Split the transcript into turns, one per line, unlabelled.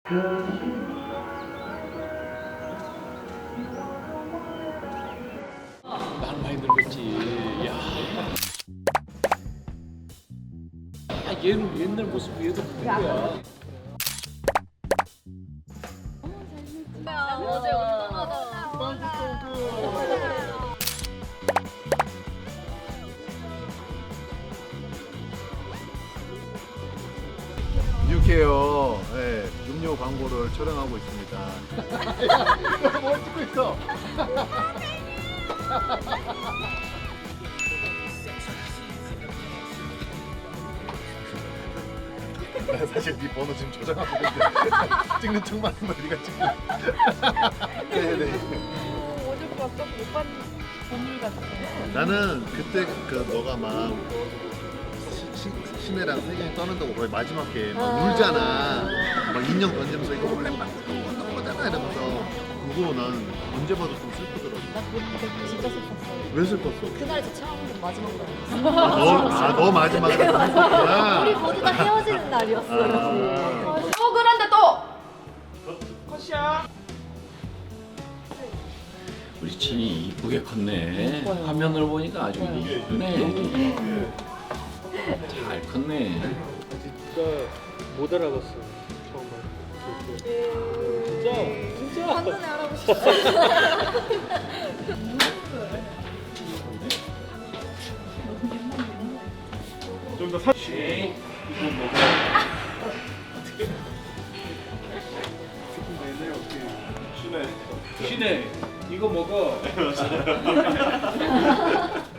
난 많이 늙었지. 야. 얘는 옛날 모습이 얘도 그거야.
어제 운동하다.
뉴케어 음료 광고를 촬영하고 있습니다.
야, 뭘 찍고 있어?
나 사실 네 번호 지금 저장하고 있는데 찍는 척만 하면 네가 찍고. 네네.
어제 봤어? 못 봤는 보물 같아.
나는 그때 그 너가 막 신혜랑 세경이 떠난다고 거의 마지막 게 막 울잖아. 막 인형 던지면서 이거 원래 막 어떤 거잖아 이러면서 그거 난 언제 봐도 좀 슬프더라고.
나 그때 진짜 슬펐어.
왜 슬펐어?
그날이 처음 마지막 날이었어.
너 마지막에 슬펐구나.
우리 모두 다 헤어지는 날이었어.
또 그런데 또 컷이야.
우리 친이 이쁘게 컸네. 화면을 보니까 아주 이쁘네. 잘 컸네.
진짜 못 알아봤어 처음 봤을 때. 진짜
한눈에 알아보시
좀더 사.
신혜, 이거 먹어.